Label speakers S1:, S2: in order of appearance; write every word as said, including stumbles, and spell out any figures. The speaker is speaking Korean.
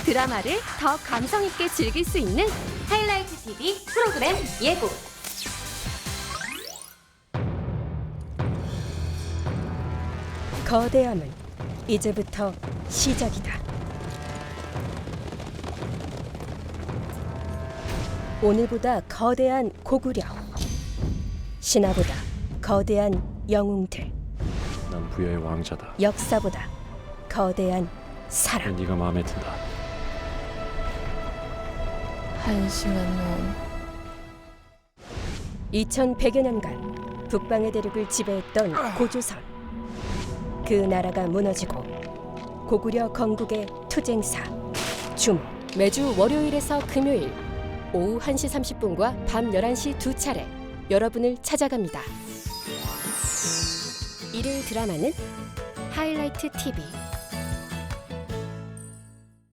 S1: 드라마를 더 감성 있게 즐길 수 있는 하이라이트 티비 프로그램 예고.
S2: 거대함은 이제부터 시작이다. 오늘보다 거대한 고구려, 신화보다 거대한 영웅들,
S3: 난 부여의 왕자다.
S2: 역사보다 거대한 사랑.
S3: 네가 마음에 든다.
S4: 한심한 놈.
S2: 이천백여 년간 북방의 대륙을 지배했던 고조선. 그 나라가 무너지고 고구려 건국의 투쟁사 주목. 매주 월요일에서 금요일 오후 한 시 삼십 분과 밤 열한 시 두 차례 여러분을 찾아갑니다. 일일 드라마는 하이라이트 티비.